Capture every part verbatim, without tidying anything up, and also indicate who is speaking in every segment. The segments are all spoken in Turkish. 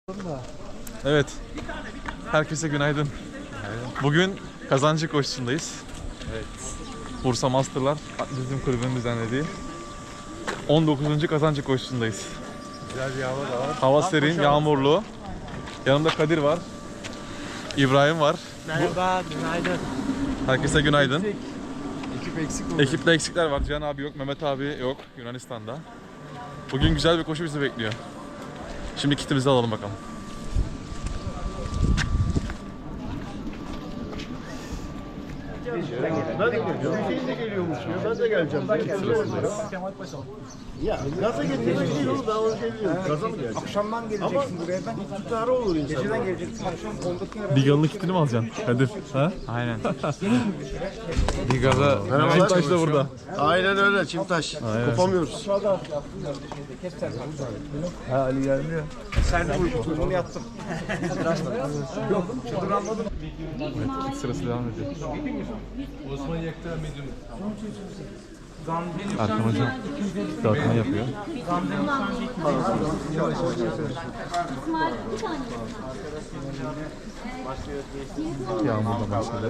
Speaker 1: Evet. Herkese günaydın. Bugün kazancı koşusundayız.
Speaker 2: Evet.
Speaker 1: Bursa Masterlar Atletizm Kulübü'nün düzenlediği on dokuzuncu kazancı koşusundayız.
Speaker 2: Güzel bir hava da var.
Speaker 1: Hava serin, yağmurlu. Yanımda Kadir var. İbrahim var.
Speaker 3: Merhaba, günaydın.
Speaker 1: Herkese günaydın.
Speaker 2: Ekip eksik oldu.
Speaker 1: Ekipte eksikler var. Cihan abi yok, Mehmet abi yok Yunanistan'da. Bugün güzel bir koşu bizi bekliyor. Şimdi kitimizi alalım bakalım.
Speaker 4: Ben de geliyorum. Hüseyin de geliyormuş diyor. Ben de geleceğim. Ya gaza getirmiş oğlum, ben onu geliyorum. Gaza mı geleceğim?
Speaker 3: Akşamdan geleceksin
Speaker 4: Ama
Speaker 3: buraya ben.
Speaker 4: tutarı olur insan.
Speaker 3: Geceden geleceksin, akşam ondaki ara.
Speaker 1: Bigal'ın kitini mi alacaksın Kadir? Ha?
Speaker 2: Aynen. Bir gaza
Speaker 1: Çimtaş da burada.
Speaker 4: Aynen öyle Çimtaş. Kopamıyoruz.
Speaker 2: Ha, Ali gelmiyor.
Speaker 3: Sen de uykumu yattım.
Speaker 1: Evet, kit sırası devam ediyor. Erkan hocam dağıtma yapıyor. Yağmurla başladı.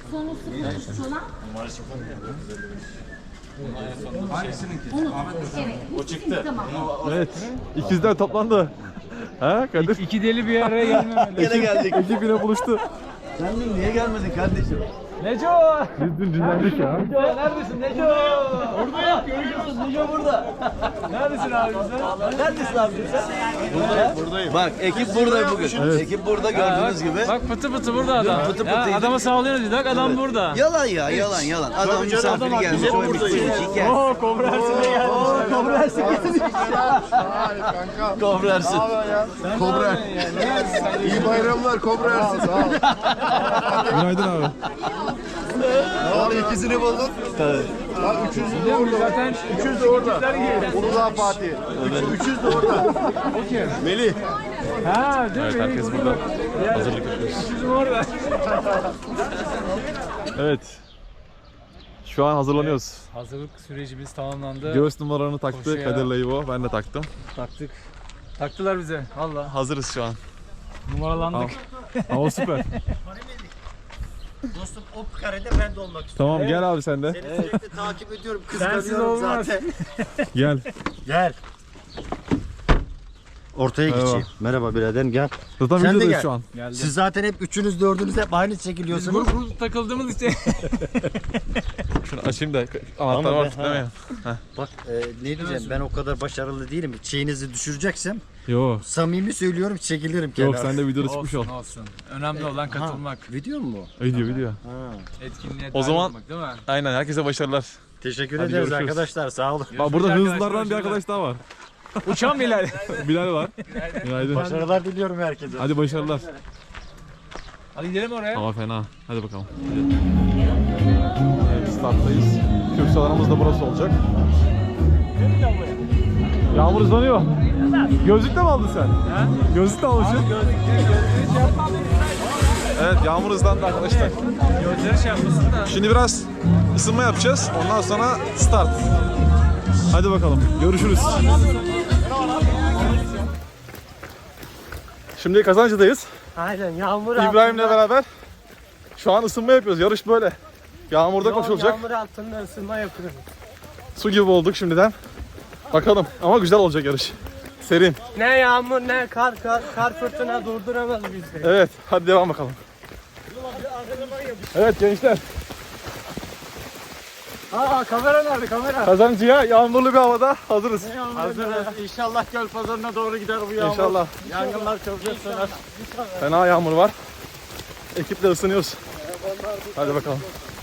Speaker 5: O çıktı.
Speaker 1: Evet, ikizler toplandı. Ha Kadir?
Speaker 2: İki deli bir araya gelmemeli.
Speaker 4: Gene geldik.
Speaker 1: Ekip yine buluştu.
Speaker 4: Sen dün niye gelmedin kardeşim?
Speaker 2: Neco!
Speaker 1: Biz dün dinlendik ya.
Speaker 2: Neco neredesin Neco? Burada görüyorsun Neco burada. Neredesin abi sen?
Speaker 4: Neredesin abi sen? Buradayım, buradayım. Bak ekip burada bugün. Ekip burada gördüğünüz gibi.
Speaker 2: Bak pıtı pıtı burada adam.
Speaker 4: Pıtı pıtı
Speaker 2: Ya,
Speaker 4: yedi.
Speaker 2: adama sağlıyoruz dedik adam burada.
Speaker 4: Yalan ya, yalan yalan. Adam misafir gelmiş, koymuş koymuş. Gel.
Speaker 2: Oo Kobrersine gelmiş.
Speaker 4: Kobrersin gelmiş. Kobrersin.
Speaker 2: Kobrer.
Speaker 4: İyi bayramlar Kobrersin.
Speaker 1: Günaydın abi.
Speaker 4: Abi ikisini buldun. Tabii. Bak üçüncü de orada.
Speaker 2: Zaten
Speaker 4: Üçüncü de orada. Uludağ Fatih. Üç, üçüncü de orada. Melih.
Speaker 2: Ha değil mi?
Speaker 1: Evet, herkes burada. Hazırlık yapıyoruz.
Speaker 2: Bizim orada.
Speaker 1: Evet. Şu an hazırlanıyoruz.
Speaker 2: Hazırlık sürecimiz tamamlandı.
Speaker 1: Göğüs numaralarını taktı
Speaker 2: Koşuya.
Speaker 1: Kadir'le İbo. Ben de taktım.
Speaker 2: Taktık. Taktılar bize. Valla.
Speaker 1: Hazırız şu an.
Speaker 2: Numaralandık.
Speaker 1: Hava süper.
Speaker 4: Dostum o karede ben de olmak istiyorum.
Speaker 1: Tamam gel abi sen de.
Speaker 4: Seni sürekli takip ediyorum.
Speaker 2: Sensiz
Speaker 4: Kıskanıyorum
Speaker 2: olmaz.
Speaker 4: zaten.
Speaker 1: Gel.
Speaker 4: Gel. Ortaya
Speaker 1: Merhaba.
Speaker 4: geçeyim. Merhaba biraderim gel.
Speaker 1: Zaten
Speaker 4: Sen de
Speaker 1: videodayız
Speaker 4: gel.
Speaker 1: şu an.
Speaker 2: Geldi.
Speaker 4: Siz zaten hep üçünüz dördünüz hep aynı
Speaker 2: Biz
Speaker 4: çekiliyorsunuz.
Speaker 2: grup grup takıldığımız için.
Speaker 1: Şunu açayım da
Speaker 4: Ama
Speaker 1: anahtar var
Speaker 4: be,
Speaker 1: tutlamayın.
Speaker 4: Bak e, ne diyeceğim ben o kadar başarılı değilim. Şeyinizi düşüreceksem
Speaker 1: Yo.
Speaker 4: samimi söylüyorum çekilirim kenara.
Speaker 1: Yok sen de videoda çıkmış ol.
Speaker 2: Olsun olsun. Önemli olan katılmak.
Speaker 4: Video mu bu?
Speaker 1: Video video.
Speaker 4: Ha.
Speaker 2: Etkinliğe
Speaker 1: O
Speaker 2: dahil
Speaker 1: zaman-
Speaker 2: olmak değil mi?
Speaker 1: Aynen herkese başarılar.
Speaker 4: Teşekkür
Speaker 1: Hadi
Speaker 4: ederiz
Speaker 1: görüşürüz.
Speaker 4: arkadaşlar sağ olun.
Speaker 1: Bak burada
Speaker 2: arkadaşlar,
Speaker 1: hızlılardan bir
Speaker 2: görüşürüz.
Speaker 1: arkadaş daha var.
Speaker 2: Uçan Bilal.
Speaker 1: Bilal var. Günaydın.
Speaker 4: Başarılar diliyorum herkese.
Speaker 1: Hadi başarılar.
Speaker 2: Hadi gidelim oraya.
Speaker 1: Hava fena. Hadi bakalım. Evet, starttayız. Kürsalarımız da burası olacak. Yağmur hızlanıyor. Gözlük de mi aldın sen?
Speaker 2: Ha?
Speaker 1: Gözlük de almışsın. Evet, yağmur hızlandı arkadaşlar.
Speaker 2: Gözleri şey yapmasın da.
Speaker 1: Şimdi biraz ısınma yapacağız. Ondan sonra start. Hadi bakalım. Görüşürüz. Şimdi Kazancı'dayız.
Speaker 3: Aynen, yağmur
Speaker 1: İbrahim'le beraber şu an ısınma yapıyoruz. Yarış böyle. Yağmurda koşulacak.
Speaker 3: Yağmur altında ısınma yapıyorum.
Speaker 1: Su gibi olduk şimdiden. Bakalım ama güzel olacak yarış. Serin.
Speaker 3: Ne yağmur ne kar, kar, kar fırtına durduramaz bizi.
Speaker 1: Evet, hadi devam bakalım. Evet gençler,
Speaker 3: Aa kamera nerede kamera?
Speaker 1: Kazancı'ya yağmurlu bir havada hazırız.
Speaker 3: Hazırız. İnşallah göl pazarına doğru gider bu yağmur.
Speaker 1: İnşallah.
Speaker 3: Yangınlar çabuk söner.
Speaker 1: Fena yağmur var. Ekiple ısınıyoruz. Hadi bakalım.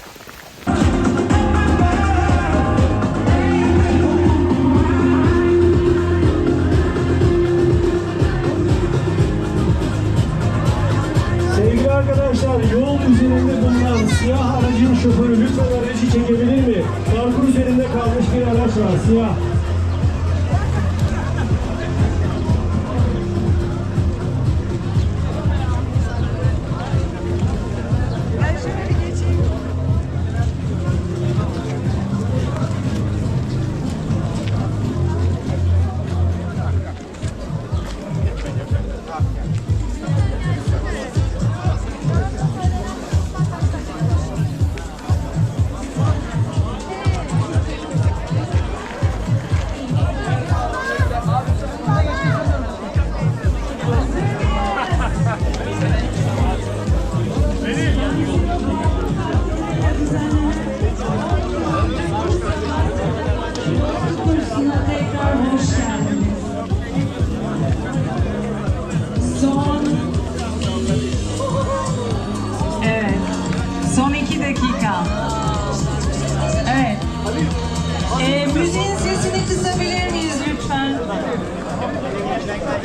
Speaker 6: Sevgili arkadaşlar, yol üzerinde bulunan siyah aracın şoförü lütfen aracı çekebilir mi? Parkur üzerinde kalmış bir araç var, siyah.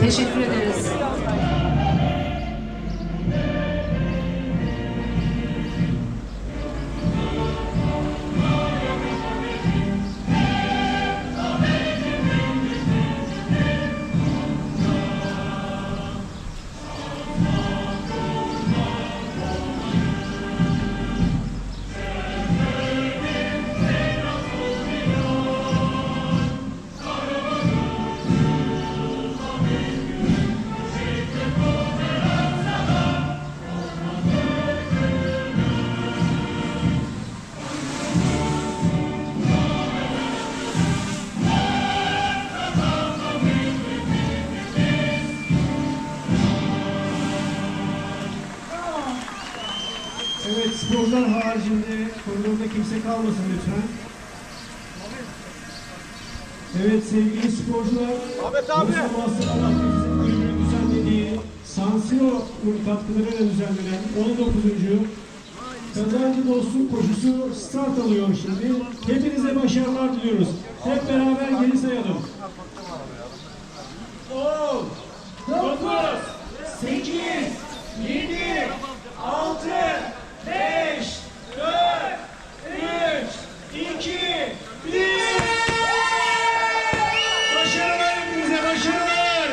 Speaker 5: Teşekkür ederiz.
Speaker 6: Evet, sporcular haricinde koridorda kimse kalmasın lütfen. Evet sevgili sporcular, Ahmet abi. Bursa Master Atletizm Kulübü'nün düzenlediği San Siro katkılarıyla düzenlenen on dokuzuncu Kazancı Dostluk Koşusu start alıyor şimdi. Hepinize başarılar diliyoruz. Hep beraber geri sayalım. on, dokuz, sekiz, yedi, altı, beş, dört, üç, iki, bir. Başarılar hepinize, başarılar.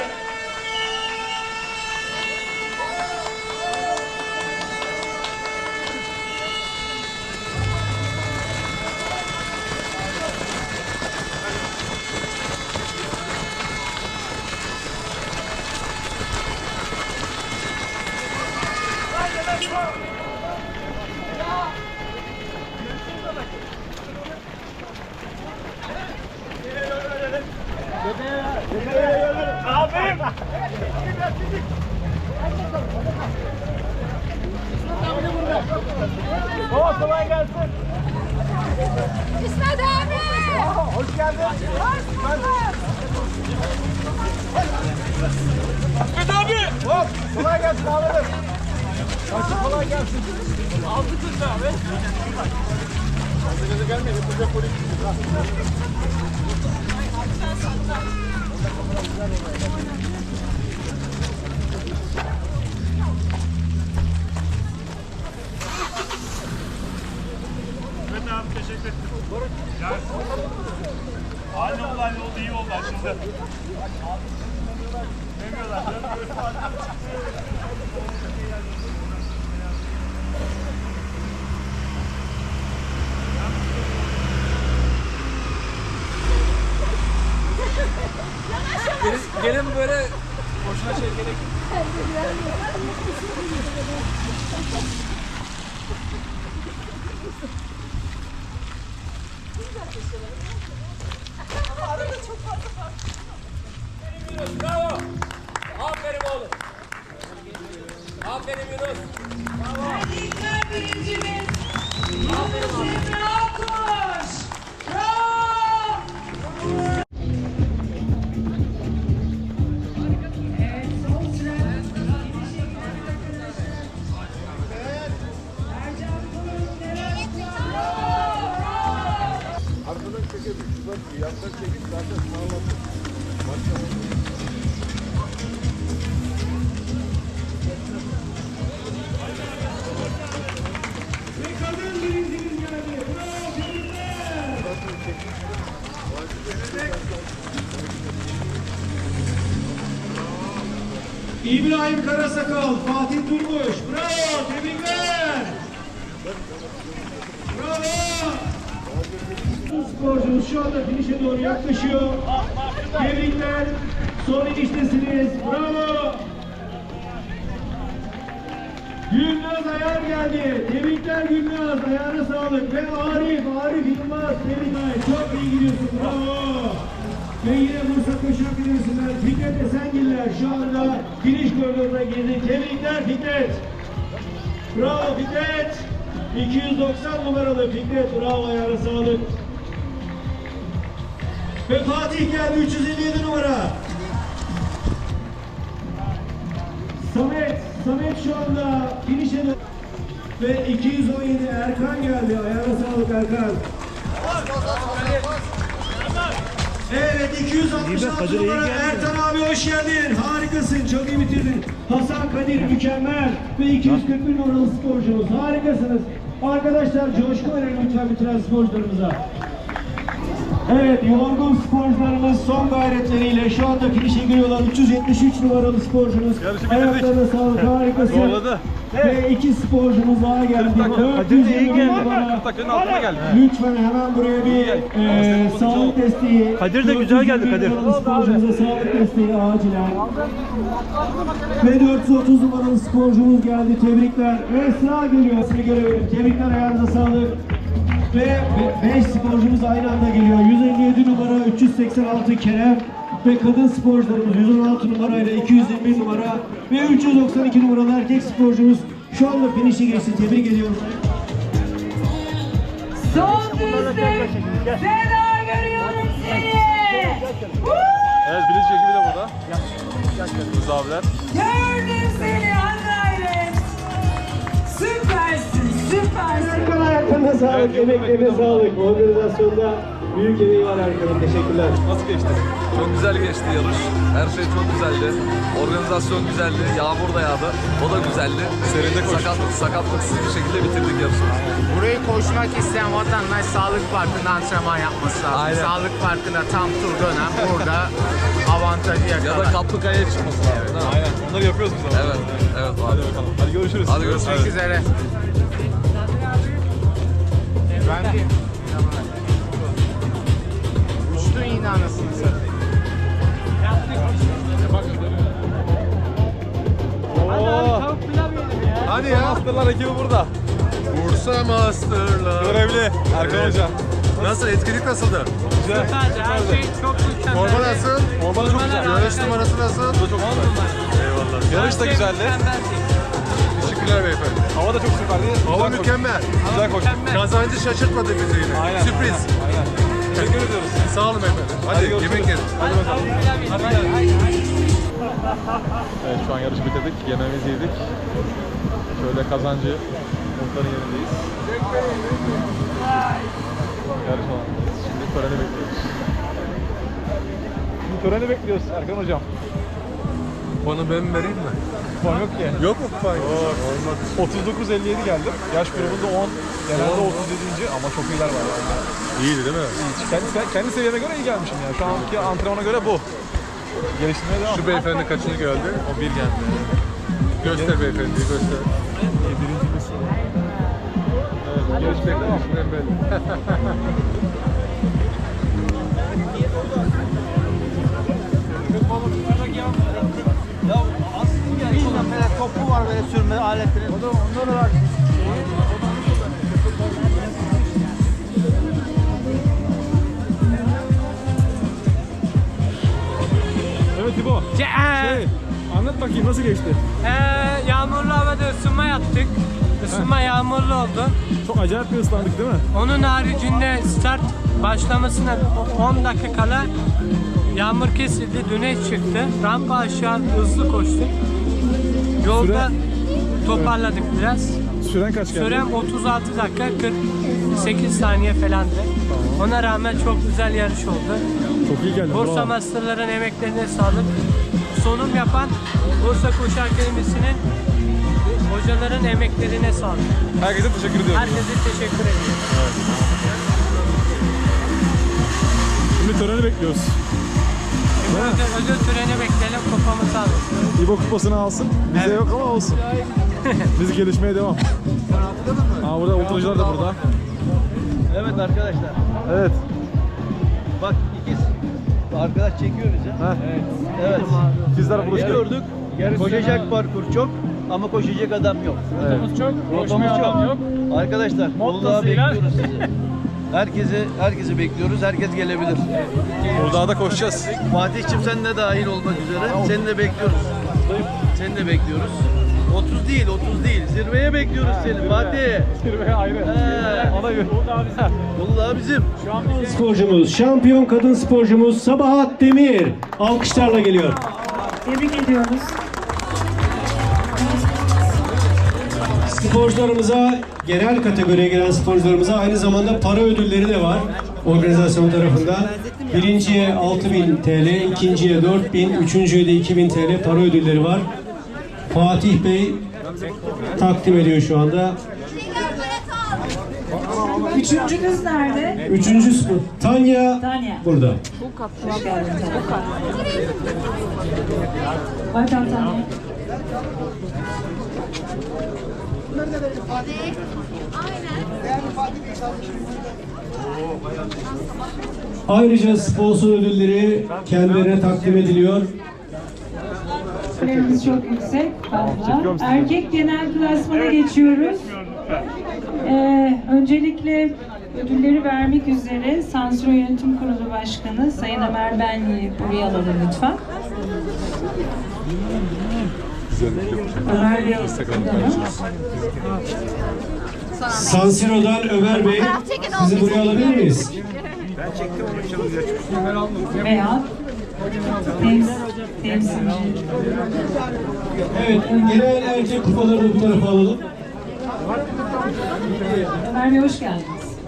Speaker 2: Baba kolay gelsin.
Speaker 7: İsmet abi!
Speaker 2: Hoş geldin.
Speaker 7: Hoş bulduk.
Speaker 2: İsmet abi. Hop. Kolay gelsin abi. Açık kolay gelsin. Aldık kız abi. Gazetede gelmeyin. Yapacak polis.
Speaker 8: Evet abi teşekkür ederim. Aynı olay oldu, iyi oldu şimdi. Demiyorlar.
Speaker 2: Gelin, gelin böyle boşuna şey gerek yok. Bravo. Aferin oğlum. Aferin Yunus.
Speaker 7: Erkekler birincimiz. Yunus Emre Akkoş. Bravo. Evet, son sıra. Ercan Kılıç, Levent Kılıç. Bravo.
Speaker 8: Arkadan çekebilir. Bak yandan çekip zaten sağladı. Maşallah.
Speaker 6: Ve kadın birincimiz geldi. Bravo, tebrikler. İbrahim Karasakal, Fatih Durmuş. Bravo, tebrikler. Bravo. Sporcumuz şu anda finişe doğru yaklaşıyor. Tebrikler. Son iniştesiniz. Bravo. Gülnaz Ayar geldi. Tebrikler Gülnaz. Ayağına sağlık. Ve Arif, Arif Yılmaz. Tebrikler. Çok iyi gidiyorsun. Bravo. Ve yine Bursa Koşu Akademisi'nden Fikret Esengiller şu anda finish koridoruna girdi. Tebrikler Fikret. Bravo Fikret. iki yüz doksan numaralı Fikret. Bravo, ayağına sağlık. Ve Fatih geldi. üç yüz elli yedi numara. Samet. Samet şu anda finish'e ve iki yüz on yedi Erkan geldi. Ayağına sağlık Erkan. Evet iki yüz altmış altı numara Ertan abi hoş geldin. Harikasın. Çok iyi bitirdin. Hasan Kadir mükemmel. Ve iki yüz kırk bir numaralı sporcumuz. Harikasınız. Arkadaşlar coşku verelim lütfen bitiren sporcularımıza. Evet, yorgun sporcularımız son gayretleriyle şu anda finişe giriyorlar. üç yüz yetmiş üç numaralı sporcumuz. Ayaklarına sağlık, harikasın.
Speaker 1: Zorladı.
Speaker 6: Ve iki sporcumuz daha geldi. dört yüz yirmi numara.
Speaker 1: Takının altına geldi.
Speaker 6: Lütfen hemen buraya bir e, sağlık desteği.
Speaker 3: Kadir de güzel geldi, Kadir.
Speaker 6: dört yüz yirmi numaralı sporcumuza sağlık desteği acilen. Ve dört yüz otuz numaralı sporcumuz geldi. Tebrikler. Ve Esra geliyor. Seni görebilirim. Tebrikler, ayağınıza sağlık. Ve beş sporcumuz aynı anda geliyor. yüz elli yedi numara, üç yüz seksen altı Kerem ve kadın sporcularımız yüz on altı numarayla iki yüz yirmi bir numara ve üç yüz doksan iki numaralı erkek sporcumuz şu anda finişe geçti. Tebrik ediyorum.
Speaker 7: Son düzlük. Seda görüyorum seni.
Speaker 1: Evet, bilinç ekibi de burada. Rıza abiler.
Speaker 7: Gördüm seni Anlaylet. Süpersin, süpersin.
Speaker 6: Erkan ayaklarına sağlık, emeklerine sağlık. Organizasyonda büyük emeği var Erkan'ın. Teşekkürler.
Speaker 1: Nasıl geçti?
Speaker 5: Çok güzel geçti yarış. Her şey çok güzeldi. Organizasyon güzeldi. Yağmur da yağdı. O da güzeldi.
Speaker 1: Serinde koştuk.
Speaker 5: Sakatlık, sakatlıksız bir şekilde bitirdik yarışı.
Speaker 9: Burayı koşmak isteyen vatandaş Sağlık Parkı'nda antrenman yapması lazım.
Speaker 5: Aynen.
Speaker 9: Sağlık Parkı'nda tam tur dönem burada avantajı
Speaker 5: Ya da
Speaker 9: yakalar.
Speaker 5: Kaplıkaya'ya çıkması lazım. değil mi?
Speaker 1: Aynen. Onları yapıyoruz biz ama.
Speaker 5: Evet. Evet.
Speaker 1: Hadi bakalım. Hadi görüşürüz.
Speaker 5: Hadi görüşürüz.
Speaker 9: Görüşmek üzere. Ben de uçtun yine anasını satayım.
Speaker 1: Oo. Hadi ya. Masterlar ekibi burada.
Speaker 5: Bursa Master'la.
Speaker 1: Görevli Erkan Hoca.
Speaker 5: Nasıl? Etkinlik nasıldı?
Speaker 1: Güzel.
Speaker 3: Her şey çok mükemmel.
Speaker 5: Forma nasıl?
Speaker 1: Forma da çok güzel.
Speaker 5: Yarış numarası nasıl?
Speaker 1: Bu da çok güzel.
Speaker 5: Eyvallah.
Speaker 1: Yarış da güzeldi.
Speaker 5: Teşekkürler beyefendi.
Speaker 1: Hava da çok süperdi.
Speaker 5: Hava
Speaker 1: Güzel
Speaker 5: mükemmel.
Speaker 1: Güzel koştuk.
Speaker 5: Kazancı şaşırtmadı bizi yine.
Speaker 1: Aynen.
Speaker 5: Sürpriz.
Speaker 1: Aynen. Teşekkür ediyoruz.
Speaker 5: Sağ olun beyefendi. Hadi,
Speaker 1: Hadi görüşürüz.
Speaker 5: yemek yiyelim.
Speaker 1: Hadi bakalım. Hadi gel. Evet, şu an yarışı bitirdik. Yemeğimizi yedik. Şöyle Kazancı muhtarın yerindeyiz. Yarış alanındayız. Şimdi töreni bekliyoruz. Şimdi töreni bekliyoruz Erkan Hocam.
Speaker 5: Bana ben vereyim mi?
Speaker 1: Kupon yok ki. Yok mu kupon? Yok. otuz dokuz elli yedi geldim. Yaş grubunda on. Genelde otuz yedinci ama çok iyiler var yani.
Speaker 5: İyiydi değil mi?
Speaker 1: Kendi, kendi seviyeme göre iyi gelmişim yani. Şu anki antrenmana göre bu. Geliştirmeye devam.
Speaker 5: Şu beyefendi kaçıncı geldi?
Speaker 1: O bir geldi.
Speaker 5: Göster beyefendiyi göster.
Speaker 1: Birinci misin? Evet, yarış bekliyorum.
Speaker 5: Ben belli.
Speaker 4: Topu var böyle sürme aletleri. Onları var.
Speaker 1: Evet İbo. Şey, anlat bakayım nasıl geçti?
Speaker 3: Ee, yağmurlu havada ısınma yaptık. Isınma yağmurlu oldu.
Speaker 1: Çok acayip bir ıslandık değil mi?
Speaker 3: Onun haricinde start başlamasına on dakika kala yağmur kesildi, güneş çıktı. Rampa aşağı hızlı koştuk. Yolda toparladık biraz.
Speaker 1: Süren kaç geldi?
Speaker 3: Sürem otuz altı dakika kırk sekiz saniye falandı. Ona rağmen çok güzel yarış oldu.
Speaker 1: Çok iyi geldi.
Speaker 3: Bursa Master'ların emeklerine sağlık. Sunum yapan Bursa Koşu Akademisi'nin hocaların emeklerine sağlık.
Speaker 1: Herkese teşekkür ediyorum.
Speaker 3: Herkese teşekkür ediyorum.
Speaker 1: Şimdi töreni bekliyoruz.
Speaker 3: Şimdi ödül, ödül töreni bekleyelim, kupamızı alalım.
Speaker 1: İbo kupasını alsın. Bize yok ama olsun. Biz gelişmeye devam. Aa, burada ultracılar da burada.
Speaker 4: Evet arkadaşlar.
Speaker 1: Evet.
Speaker 4: Bak ikiz. Arkadaş çekiyor bizi.
Speaker 1: Heh.
Speaker 4: Evet.
Speaker 1: Bizler buluştuk.
Speaker 4: Gördük. Koşacak parkur çok ama koşacak adam yok.
Speaker 1: Evet.
Speaker 2: Çok,
Speaker 4: Rotamız çok. Arkadaşlar Uludağ'a bekliyoruz sizi. Herkesi herkesi bekliyoruz. Herkes gelebilir.
Speaker 1: Uludağ'da koşacağız.
Speaker 4: Fatih'cim sen de dahil olmak üzere. Seni de bekliyoruz. Seni de bekliyoruz. otuz değil, otuz değil. Zirveye bekliyoruz seni Fatih.
Speaker 1: Zirveye ayrı.
Speaker 4: He.
Speaker 1: Ona göre.
Speaker 4: Uludağ bizim.
Speaker 6: Sporcumuz, şampiyon kadın sporcumuz Sabahat Demir alkışlarla geliyor.
Speaker 7: Tebrik ediyoruz.
Speaker 6: Sporcularımıza, genel kategoriye gelen sporcularımıza aynı zamanda para ödülleri de var organizasyon tarafından.
Speaker 10: Birinciye altı bin T L, ikinciye dört bin, üçüncüye de iki bin T L para ödülleri var. Fatih Bey takdim ediyor şu anda.
Speaker 7: Üçüncünüz nerede?
Speaker 10: Üçüncüsü bu. Tanya,
Speaker 7: Tanya.
Speaker 10: burada.
Speaker 7: Hoş geldin Tanya. Welcome Tanya.
Speaker 10: Ayrıca sponsor ödülleri kendilerine takdim ediliyor.
Speaker 7: Ödüllerimiz çok yüksek. Fazla. Erkek genel klasmana geçiyoruz. Ee, öncelikle ödülleri vermek üzere Sansür Yönetim Kurulu Başkanı Sayın Ömer Benli'yi buraya alalım lütfen. Ömer Bey,
Speaker 10: Sansiro'dan Ömer Bey, sizi buraya alabilir miyiz?
Speaker 7: veya tems temsilci.
Speaker 10: Evet, genel erkek kupalarını bu tarafa alalım.
Speaker 7: Ömer Bey hoş geldiniz.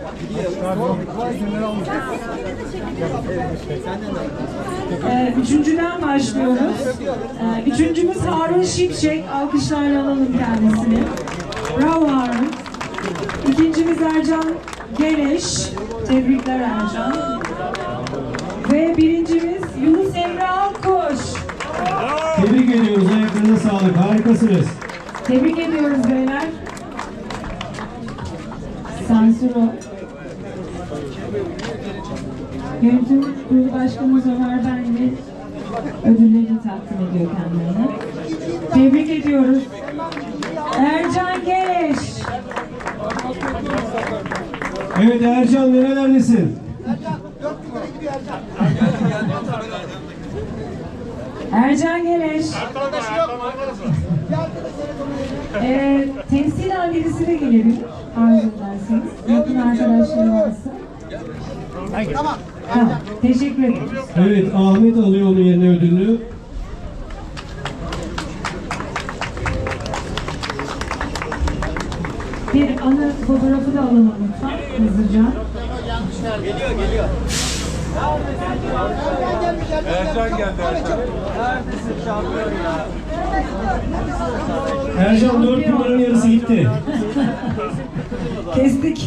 Speaker 7: Ee, üçüncüden başlıyoruz. Ee, üçüncümüz Harun Şimşek. Alkışlarla alalım kendisini. Bravo Harun. İkincimiz Ercan Geleş. Tebrikler Ercan. Ve birincimiz Yunus Emre Alkoş.
Speaker 10: Tebrik ediyoruz, ayaklarınıza sağlık, harikasınız.
Speaker 7: Tebrik ediyoruz beyler. Sansuro. Yönetim Kurulu Başkanımız Ömer Benli ödüllerini takdim ediyor kendilerine. Tebrik ediyoruz. Ercan Geleş.
Speaker 10: Evet Ercan, nerelerdesin?
Speaker 7: Ercan Geleş. Ee, temsilen birisi de gelebilir. Arzu ederseniz. Yakın arkadaşları varsa. Tamam. Tamam. Teşekkür ederim.
Speaker 10: Evet, Ahmet alıyor onun yerine ödülünü.
Speaker 7: Bir anı fotoğrafı da alalım lütfen hızlıca.
Speaker 2: Geliyor geliyor. Ercan geldi Ercan. Neredesin şampiyon ya?
Speaker 10: Ercan dört numaranın yarısı gitti.
Speaker 7: Kestik.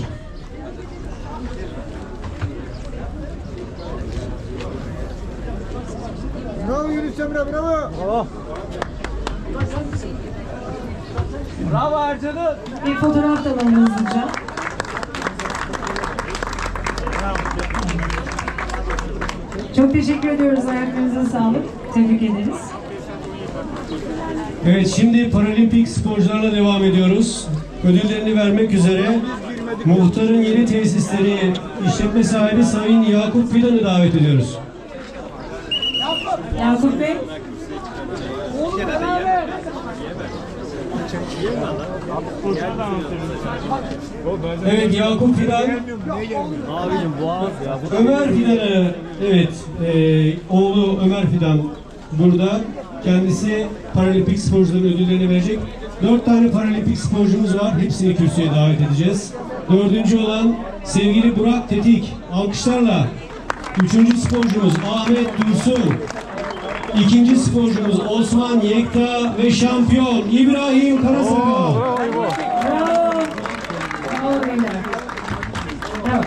Speaker 8: Bravo Yunus Emre, bravo.
Speaker 2: Bravo. Bravo Ercan'ım.
Speaker 7: Bir fotoğraf da alalım hızlıca. Çok teşekkür ediyoruz. Ayaklarınıza sağlık. Tebrik ederiz.
Speaker 10: Evet, şimdi paralimpik sporcularla devam ediyoruz. Ödüllerini vermek üzere muhtarın yeni tesisleri işletme sahibi Sayın Yakup Fidan'ı davet ediyoruz.
Speaker 7: Yakup Bey.
Speaker 10: Evet, Yakup Fidan.
Speaker 2: Abicim boğaz ya.
Speaker 10: Ömer Fidan'a, evet, e, oğlu Ömer Fidan burada. Kendisi paralimpik sporcuların ödüllerini verecek. Dört tane paralimpik sporcumuz var. Hepsini kürsüye davet edeceğiz. Dördüncü olan sevgili Burak Tetik. Alkışlarla. Üçüncü sporcumuz Ahmet Dursun. İkinci sporcumuz Osman Yekta ve şampiyon İbrahim Karasakal.
Speaker 7: Bravo. Bravo beyler. Bravo.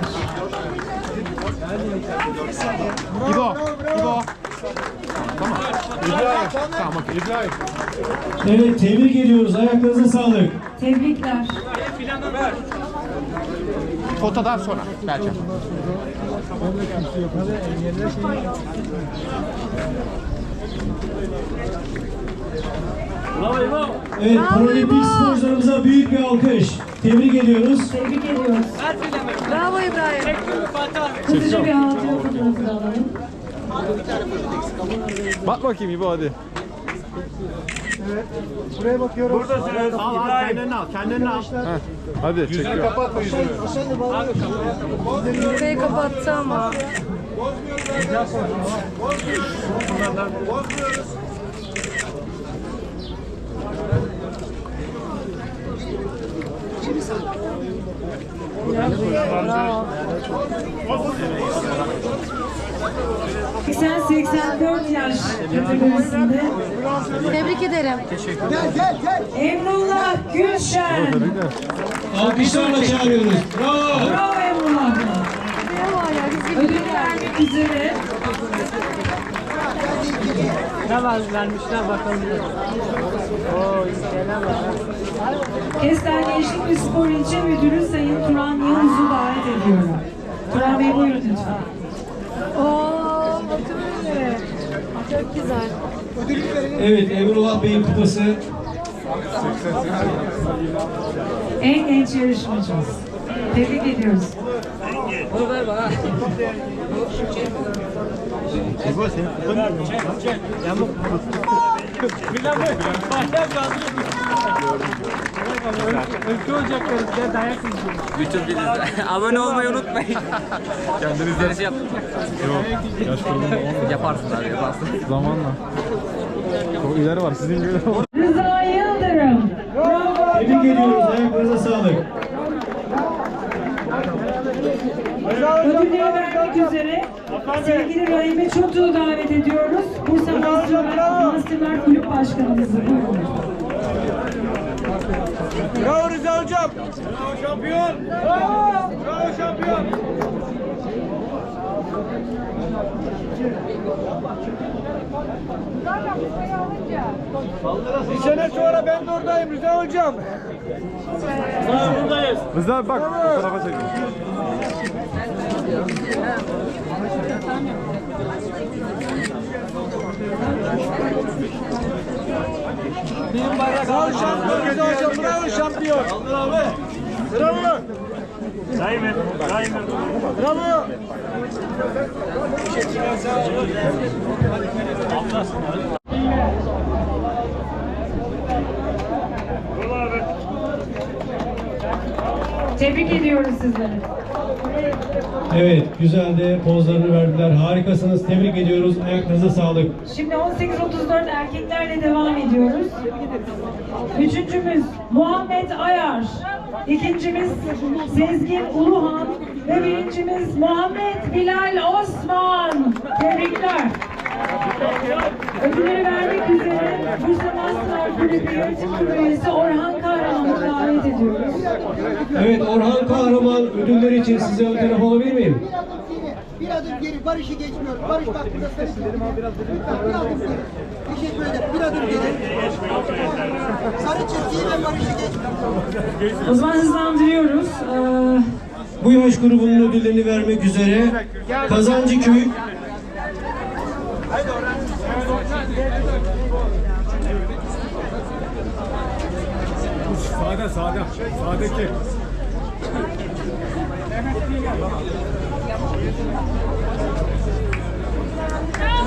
Speaker 9: İbo, İbo.
Speaker 8: İbrahim. Tamam, İbrahim.
Speaker 10: Evet, tebrik ediyoruz. Ayaklarınıza sağlık.
Speaker 7: Tebrikler.
Speaker 9: Fotodan sonra belki.
Speaker 10: Evet, paralimpik sporcularımıza büyük bir alkış. Tebrik ediyoruz.
Speaker 7: Tebrik ediyoruz.
Speaker 3: Bravo İbrahim.
Speaker 7: Hızlıca bir hatıra fotoğrafı da alalım.
Speaker 1: Bak bakayım İbo hadi.
Speaker 8: Buraya bakıyorum.
Speaker 2: Buradasınız.
Speaker 9: Al al kendini al, kendini al.
Speaker 1: Hadi çekiyor.
Speaker 8: Kapat yüzünü.
Speaker 3: Burayı kapattı ama. Bravo.
Speaker 7: seksen seksen dört yaş kategorisinde
Speaker 11: Tebrik ederim.
Speaker 7: Emrullah Gülşen.
Speaker 10: Alkışlarla çağırıyoruz. Bravo.
Speaker 7: Bravo Emrullah. Ödül vermek üzere
Speaker 3: Ne var vermişler bakalım. Oo, gelen var.
Speaker 7: Kestel Gençlik ve Spor İlçe Müdürü Sayın Turan Yavuz'u davet ediyorum. Turan Bey buyurun lütfen.
Speaker 11: Oo, bakın öyle. Çok güzel.
Speaker 10: Evet, Emrullah Bey'in kupası.
Speaker 7: En genç yarışmacımız. Tebrik ediyoruz.
Speaker 3: Bunu ver bana. Yamuk. Bilal Bey. Bayram kaldı. Ülke ocakları size dayak yiyeceğim.
Speaker 9: Bütün biliriz. Abone olmayı unutmayın.
Speaker 1: Kendiniz
Speaker 9: Yarışı yaptık.
Speaker 1: Yok. Yaş grubunda olmuyor.
Speaker 9: Yaparsın abi yaparsın.
Speaker 1: Zamanla. Çok ileri var. Sizin gibi.
Speaker 7: Rıza Yıldırım. Bravo.
Speaker 10: Tebrik ediyoruz. Ayaklarınıza sağlık.
Speaker 7: Ödülleri vermek üzere sevgili Rahime Çotuğ'u davet ediyoruz. Bursa Masterlar, Masterlar Kulüp Başkanımızı. Buyurun.
Speaker 2: Bravo Rıza hocam. Bravo şampiyon. Bravo. Bravo şampiyon. Bir sene sonra ben de oradayım Rıza hocam. Buradayız.
Speaker 1: Rıza bak. Bu tarafa çekin.
Speaker 2: Bravo şampiyon Rıza hocam. Bravo şampiyon. Bravo. Daime. Daime. Bravo.
Speaker 7: Tebrik ediyoruz sizleri.
Speaker 10: Evet, güzel de pozlarını verdiler. Harikasınız. Tebrik ediyoruz. Ayaklarınıza sağlık.
Speaker 7: Şimdi on sekiz otuz dört erkeklerle devam ediyoruz. Üçüncümüz Muhammed Ayar. İkincimiz Sezgin Uluhan. Ve birincimiz Muhammed Bilal Osman. Tebrikler. Ödülleri vermek üzere Bursa Master Kulübü Yönetim Kurulu üyesi Orhan Kahraman'ı davet ediyoruz.
Speaker 10: Evet, Orhan Kahraman ödüller için size ön taraf alabilir miyim?
Speaker 12: Bir adım geri, Barış'ı geçmiyoruz. Barış bak burada sarı çizgi. Lütfen bir adım geri. Teşekkür ederim. Bir adım geri. Sarı çizgiyi ve Barış'ı geçmiyoruz.
Speaker 7: O zaman hızlandırıyoruz. Ee,
Speaker 10: Bu yaş grubunun ödüllerini vermek üzere Kazancıköy
Speaker 2: Sağda sağda. Sağdaki.
Speaker 11: Bravo.